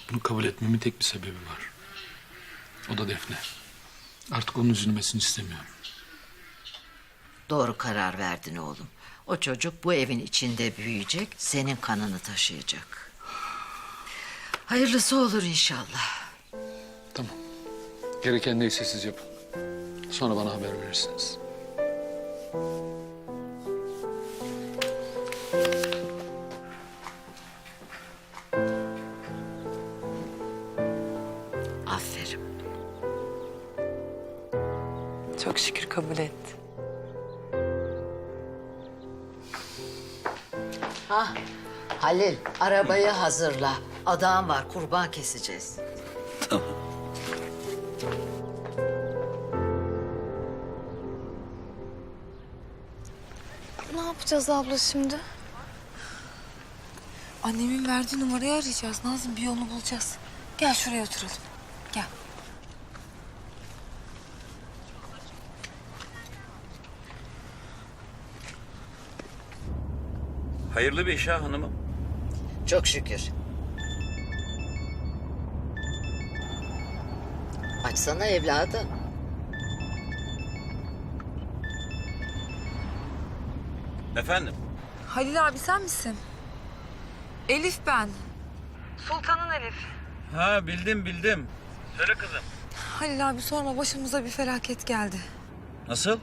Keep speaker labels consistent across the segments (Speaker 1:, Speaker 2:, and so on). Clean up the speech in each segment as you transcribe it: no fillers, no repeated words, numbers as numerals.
Speaker 1: Bunu kabul etmemin tek bir sebebi var. O da Defne. Artık onun üzülmesini istemiyorum.
Speaker 2: Doğru karar verdin oğlum. O çocuk bu evin içinde büyüyecek, senin kanını taşıyacak. Hayırlısı olur inşallah.
Speaker 1: Tamam. Gereken neyse siz yapın. Sonra bana haber verirsiniz.
Speaker 2: Aferin.
Speaker 3: Çok şükür kabul etti.
Speaker 2: Halil, arabayı hazırla. Adağım var, kurban keseceğiz.
Speaker 4: Ne yapacağız abla şimdi?
Speaker 3: Annemin verdiği numarayı arayacağız. Nazım bir yolunu bulacağız. Gel şuraya oturalım. Gel.
Speaker 5: Hayırlı bir iş ha hanımım.
Speaker 2: Çok şükür. Açsana evladım.
Speaker 5: Efendim?
Speaker 3: Halil abi sen misin? Elif ben. Sultan'ın Elif.
Speaker 5: Ha bildim. Söyle kızım.
Speaker 3: Halil abi sorma başımıza bir felaket geldi.
Speaker 5: Nasıl?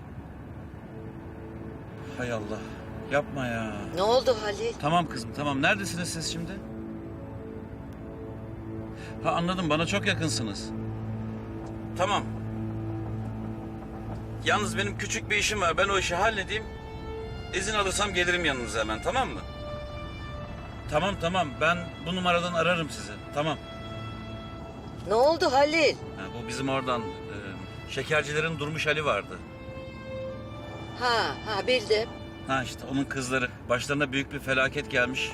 Speaker 5: Hay Allah. Yapma ya.
Speaker 2: Ne oldu Halil?
Speaker 5: Tamam kızım tamam. Neredesiniz siz şimdi? Ha anladım bana çok yakınsınız. Tamam. Yalnız benim küçük bir işim var. Ben o işi halledeyim. İzin alırsam gelirim yanınıza hemen tamam mı? Tamam. Ben bu numaradan ararım sizi. Tamam.
Speaker 2: Ne oldu Halil?
Speaker 5: Ha, bu bizim oradan şekercilerin Durmuş Ali vardı.
Speaker 2: Ha bildim.
Speaker 5: Ha işte onun kızları. Başlarına büyük bir felaket gelmiş.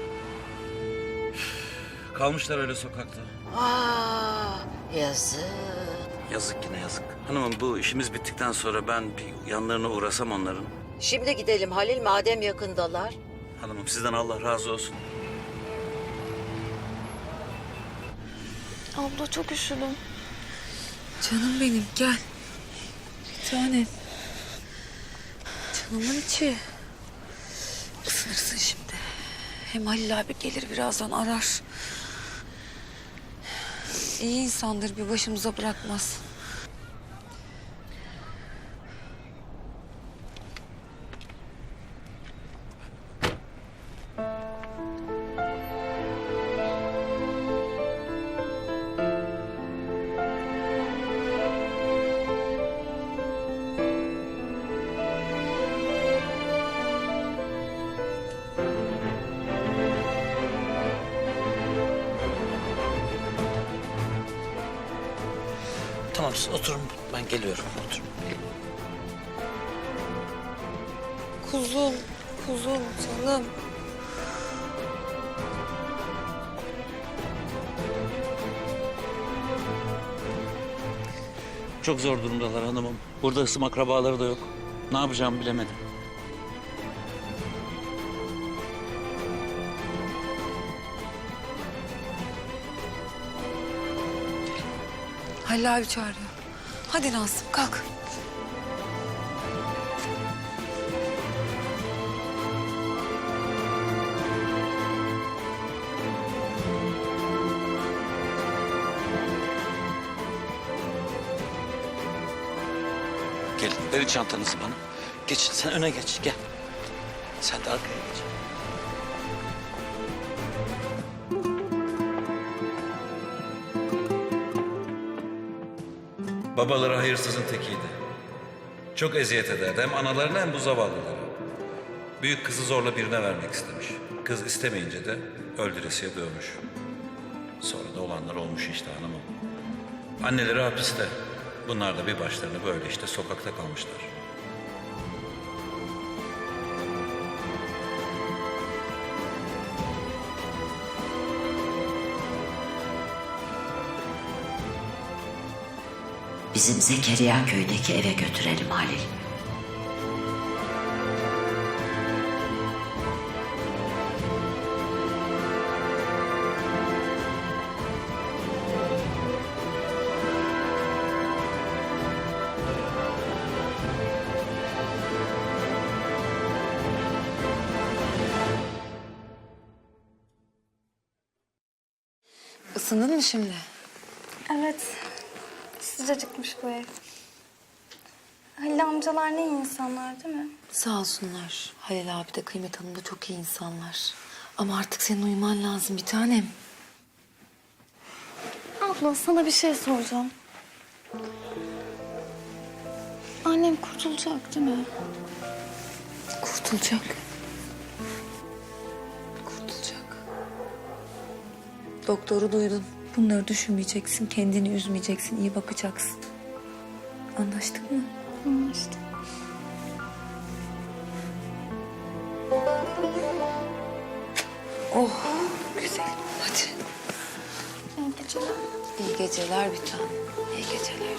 Speaker 5: Kalmışlar öyle sokakta.
Speaker 2: Yazık.
Speaker 5: Yazık yine yazık. Hanımım bu işimiz bittikten sonra ben bir yanlarına uğrasam onların.
Speaker 2: Şimdi gidelim Halil, madem yakındalar.
Speaker 5: Hanımım sizden Allah razı olsun.
Speaker 4: Abla çok üşüdüm.
Speaker 3: Canım benim gel. Tanem. Canımın içi. Isınırsın şimdi. Hem Halil abi gelir birazdan arar. İyi insandır bir başımıza bırakmaz.
Speaker 6: Tamam siz oturun ben geliyorum oturun.
Speaker 3: Kuzum canım.
Speaker 5: Çok zor durumdalar hanımım. Burada ısım akrabaları da yok. Ne yapacağımı bilemedim.
Speaker 3: Halil abi çağırıyor. Hadi Nazım kalk.
Speaker 6: Gelin verin çantanızı bana. Geçin sen öne geç gel. Sen de arkaya geç.
Speaker 5: Babaları hayırsızın tekiydi. Çok eziyet ederdi hem analarına hem bu zavallılara. Büyük kızı zorla birine vermek istemiş. Kız istemeyince de öldüresiye dövmüş. Sonra da olanlar olmuş işte hanımım. Anneleri hapiste. Bunlar da bir başlarına böyle işte sokakta kalmışlar.
Speaker 2: Bizim Zekeriya köydeki eve götürelim Halil.
Speaker 3: Isındın mı şimdi?
Speaker 4: Evet. Sıcacıkmış bu ev. Halil amcalar ne iyi insanlar değil mi?
Speaker 3: Sağ olsunlar. Halil abi de Kıymet Hanım da çok iyi insanlar. Ama artık senin uyuman lazım bir tanem.
Speaker 4: Abla sana bir şey soracağım. Annem kurtulacak değil mi?
Speaker 3: Kurtulacak. Kurtulacak. Doktoru duydun. Bunları düşünmeyeceksin, kendini üzmeyeceksin, iyi bakacaksın. Anlaştık mı?
Speaker 4: Anlaştık.
Speaker 3: Oh, güzel. Hadi.
Speaker 4: İyi geceler.
Speaker 3: İyi geceler bir tanem. İyi geceler.